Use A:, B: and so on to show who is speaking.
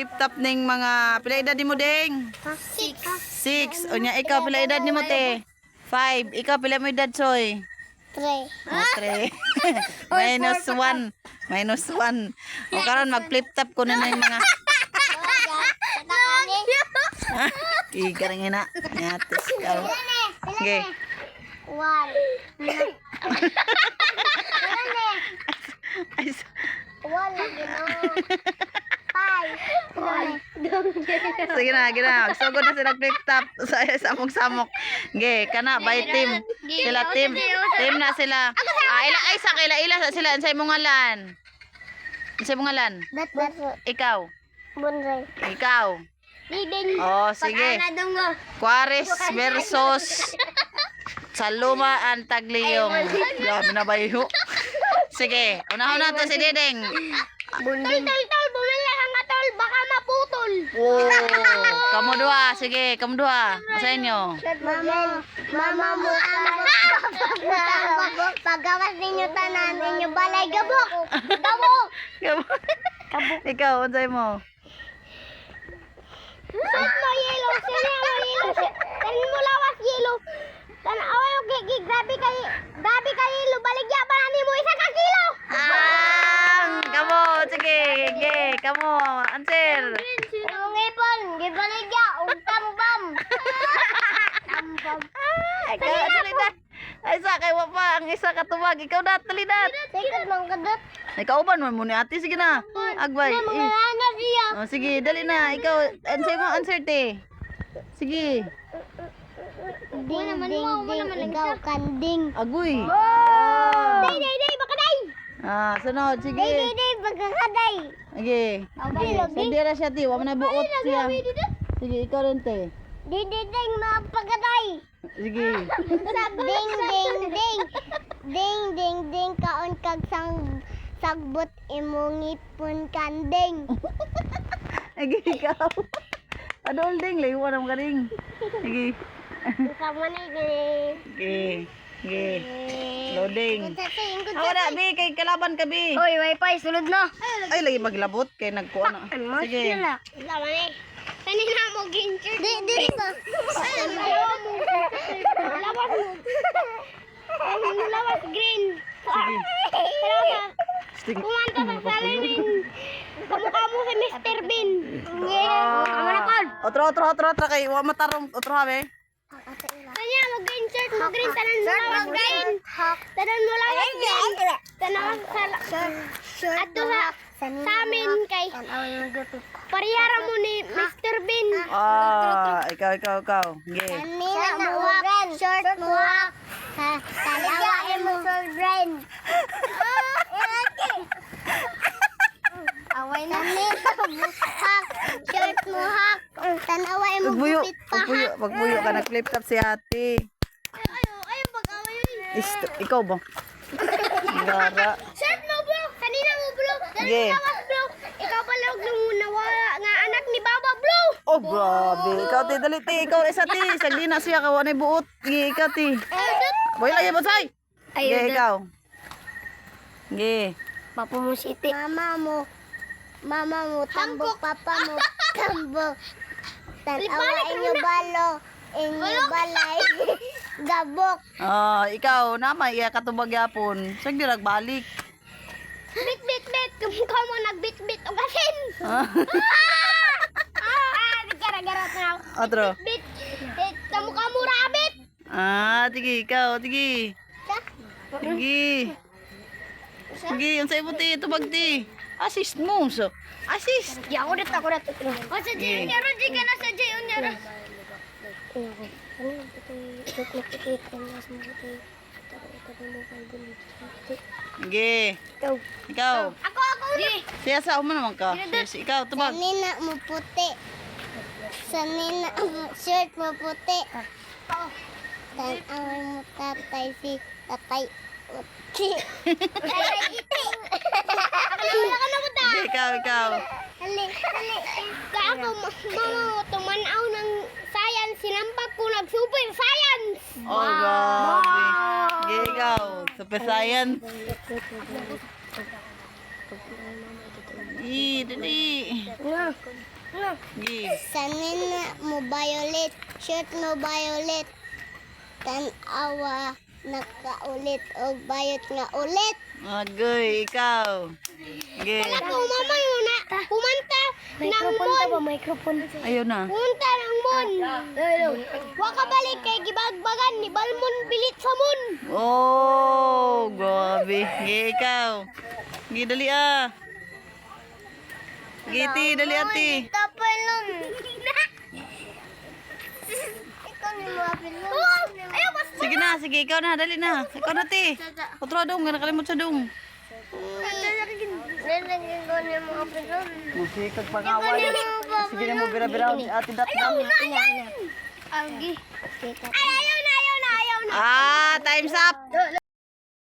A: mag-flip top ning mga pila edad nimo ding? 6. Unya ikaw pila edad nimo te? 5. Ikaw pila mo edad soy?
B: 3.
A: Oh, 3. -1. -1. O karon mag-flip top ko na yung mga ikarang ina. Yatis ka. Okay.
B: 1.
A: Ay,
B: Wala gino. 5.
A: sige na. Sugod na sila flip top sa samok-samok. Okay, kana by team. Sila team. Team na sila. Ay sa ila sila unsay mo ngalan? Unsay mo ngalan? Ikaw.
B: Bunray.
A: Ikaw.
B: Diding.
A: Oh, sige. Juarez versus Saluma and Tagliyong. Grabe na ba yun? Sige, unahon na to si Diding.
B: Tol, bumili ka nga tol, baka maputol.
A: Oh, kamu dua. Sige, kamu dua. Masa inyo?
B: Mama mo gabok. Pagawas ninyo tanan ninyo balay gabok. Gabok.
A: Ikaw, unsay mo?
B: Set mo yellow, sila mo yellow. Tanin mo lawas yellow. Away og grabe kay yellow. Baligya pa na mo isa ka kilo.
A: Kamu, sige, kamu, answer.
B: Ang ipon, gibaligya og tambam.
A: Ikaw, talidat. Ay, sa kay wapa ang isa katubag. Ikaw na, talidat.
B: Sikot mang kadot.
A: Ikaw uban mo ni ate, sige na. Agbay.
B: Mga siya.
A: Oh, sige, dali na. Ikaw, answer te. Sige.
B: Ding, ikaw kanding.
A: Agoy.
B: Day, baka day.
A: Sunod, sige.
B: Day, baka kaday.
A: Sige. Sandira siya, ti. Wala na buot siya. Sige, ikaw rin, te.
B: Ding, mapagaday.
A: Sige.
B: Ding, kaon kag sagbot imong ipon kanding.
A: Sige, ikaw. Adol ding, layuan ang karing. Sige.
B: Sama ni
A: Sige. Loading. Wala, bi. Kay kalaban ka, bi.
B: Oy, wifi, sulod na.
A: Ay, lagi maglabot. Kay nagkuha na. Sige.
B: Sama ni. Kanina mo gincher. Di ba? Lawas mo. Lawas green.
A: Sige. Sige.
B: Kumanta sa salamin. Kamukha mo si Mr. Bean. Kamanakon.
A: Otro. Kay wa matarong. Otro, ha, be.
B: Kanya mo green shirt mo green. Tanan mo lawas green. Tanan mo lawas green. Tanan sa ato sa amin kay pariyara mo ni Mr. Bean.
A: Ikaw. Sige.
B: Kanina mo short mo hak. Talawa mo children. Away na hak. Short mo hak. Tanawa mo gupit pa hak.
A: Pagpuyo ka nag-flip top si ate.
B: Ayaw pag-away.
A: Ikaw ba? Gara.
B: Short mo bro. Kanina mo bro.
A: Sige.
B: Bro. Ikaw pala og nawala nga anak ni Baba bro.
A: Oh, grabe. Ikaw, te, dali, te. Ikaw, isa, te. Sagli na siya. Kawa na buot. Sige, ikaw, te. Boy, lagi mo, say. Sige, ikaw. Sige.
B: Papa mo siti. Mama mo, tambok. Papa mo, tambok. Tanawa inyo balo. Inyo balay. Gabok.
A: Ikaw, naman, iya katubag yapon. Sagli, nagbalik.
B: Bit. Kamukha mo nagbit-bit o gasin. Gara-gara na.
A: Otro.
B: Bit. Kamukha mo rabbit.
A: Sige, ikaw, sige. Sige. Sige, yung sa'yo mo, te. Tubag, te. Assist mo, so. Assist.
B: Ya, ako dito. O, sa Jay, unyara. Di ka na sa Jay, unyara.
A: Sige. Ikaw.
B: Ako.
A: Siya sa mo naman ka. Yes, ikaw, tubag.
B: Sanina mo puti. Sanina mo shirt mo puti. Tanaway mo tatay si tatay uti. Tatay iti. Wala ka na mo ta.
A: Ikaw.
B: Hali. Kaya ako, mama mo, tumanaw ng science. Sinampak ko nag-super science.
A: Oh, grabe. Sige, ikaw. Super Saiyan. Dali. Gi.
B: Sanin na mo violet, shirt mo violet. Tan-awa nakaulit o bayot nga ulit.
A: Agoy, ikaw. Gi.
B: Wala ko mama yun na pumunta ng mon. Microphone.
A: Ayaw na.
B: Pumunta ng mon. Wa ka balik kay gibagbagan ni Balmon bilit sa mon.
A: Oh, grabe. Gi, ikaw. Gi, dali ah. Giti, dali ati.
B: Tapay lang. Ikaw ni mo apil mo. Ayaw basta.
A: Sige na, sige, ikaw na, dali na. Ikaw na, ti. Otro dong, nakalimot sa dong.
B: Lalagyan ko ni mo apil mo.
A: Musikag pangaway. Sige na mo, bira-bira. Ati dat na.
B: Agi. Ay, ayaw na.
A: Ah, time's up.